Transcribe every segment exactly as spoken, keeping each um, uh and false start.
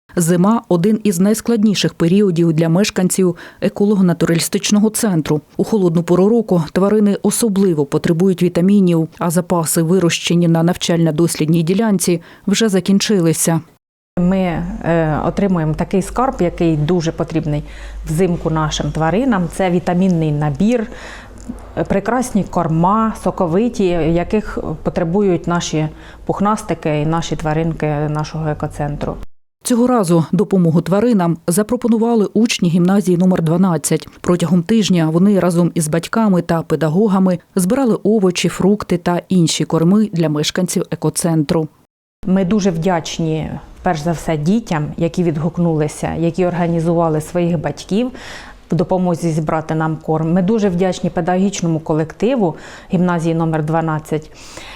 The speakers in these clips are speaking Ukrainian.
Зима – один із найскладніших періодів для мешканців еколого-натуралістичного центру. У холодну пору року тварини особливо потребують вітамінів, а запаси, вирощені на навчально-дослідній ділянці, вже закінчилися. Ми е, отримуємо такий скарб, який дуже потрібний взимку нашим тваринам. Це вітамінний набір, прекрасні корма, соковиті, яких потребують наші пухнастики і наші тваринки нашого екоцентру. Цього разу допомогу тваринам запропонували учні гімназії номер дванадцять. Протягом тижня вони разом із батьками та педагогами збирали овочі, фрукти та інші корми для мешканців екоцентру. Ми дуже вдячні, перш за все, дітям, які відгукнулися, які організували своїх батьків в допомозі зібрати нам корм. Ми дуже вдячні педагогічному колективу гімназії номер дванадцять.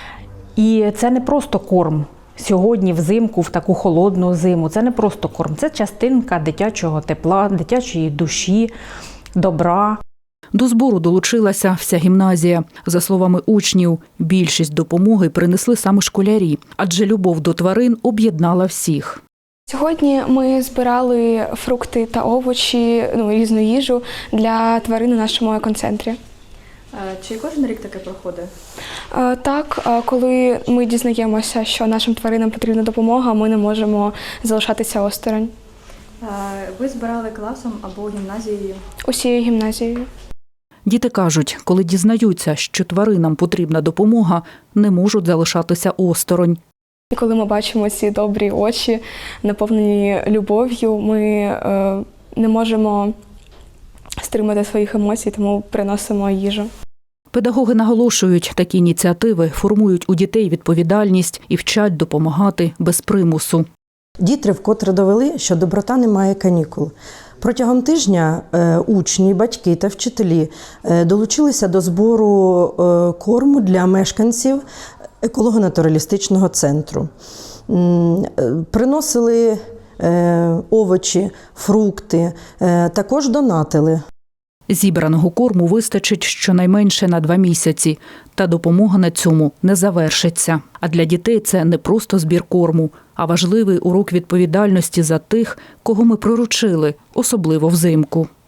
І це не просто корм. Сьогодні взимку, в таку холодну зиму, це не просто корм, це частинка дитячого тепла, дитячої душі, добра. До збору долучилася вся гімназія. За словами учнів, більшість допомоги принесли саме школярі, адже любов до тварин об'єднала всіх. Сьогодні ми збирали фрукти та овочі, ну, різну їжу для тварин у нашому екоцентрі. Чи кожен рік таке проходить? Так, коли ми дізнаємося, що нашим тваринам потрібна допомога, ми не можемо залишатися осторонь. Ви збирали класом або гімназією? Усією гімназією. Діти кажуть, коли дізнаються, що тваринам потрібна допомога, не можуть залишатися осторонь. І коли ми бачимо ці добрі очі, наповнені любов'ю, ми е, не можемо стримати своїх емоцій, тому приносимо їжу. Педагоги наголошують, такі ініціативи формують у дітей відповідальність і вчать допомагати без примусу. Діти вкотре довели, що доброта не має канікул. Протягом тижня учні, батьки та вчителі долучилися до збору корму для мешканців еколого-натуралістичного центру. Приносили овочі, фрукти, також донатили. Зібраного корму вистачить щонайменше на два місяці, та допомога на цьому не завершиться. А для дітей це не просто збір корму, а важливий урок відповідальності за тих, кого ми приручили, особливо взимку.